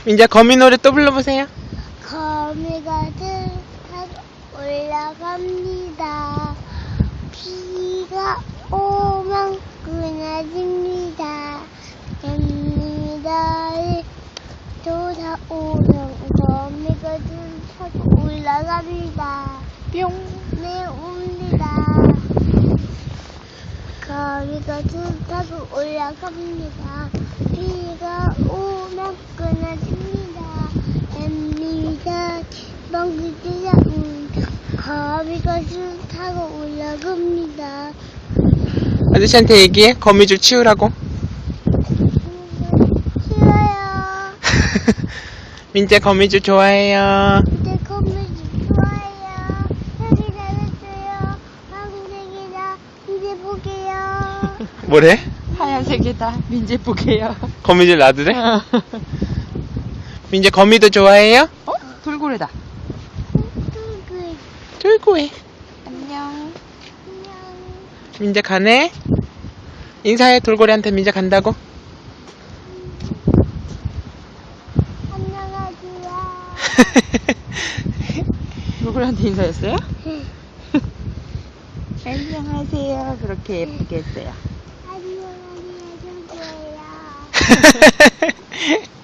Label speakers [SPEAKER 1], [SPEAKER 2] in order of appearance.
[SPEAKER 1] 민재 거미 노래 또 불러보세요.
[SPEAKER 2] 거미가 타고 올라갑니다. 비가 오면 끊어집니다. 뱀이다에 돌아오면 거미가 타고 올라갑니다.
[SPEAKER 1] 뿅.
[SPEAKER 2] 네, 옵니다. 거미가 타고 올라갑니다. 비가 오면 끊어집니다. 뱀이다 멍들이다 거미가 타고 올라갑니다.
[SPEAKER 1] 아저씨한테 얘기해. 거미줄 치우라고.
[SPEAKER 2] 싫어요.
[SPEAKER 1] 민재 거미줄 좋아해요.
[SPEAKER 2] 내 거미줄 좋아해요. 여기 잘했어요. 황색이다. 이제 볼게요.
[SPEAKER 1] 뭐래?
[SPEAKER 3] 하얀색이다. 민재 보게요.
[SPEAKER 1] 거미줄 놔두래? 민재 거미도 좋아해요?
[SPEAKER 3] 어? 돌고래다.
[SPEAKER 2] 뚜글.
[SPEAKER 1] 쫄고해.
[SPEAKER 3] 안녕.
[SPEAKER 2] 안녕.
[SPEAKER 1] 민재 가네? 인사해. 돌고래한테 민재 간다고.
[SPEAKER 2] 안녕하세요.
[SPEAKER 3] 돌고래한테 인사했어요? 안녕하세요. 그렇게 예쁘게 했어요.
[SPEAKER 2] 안녕하세요.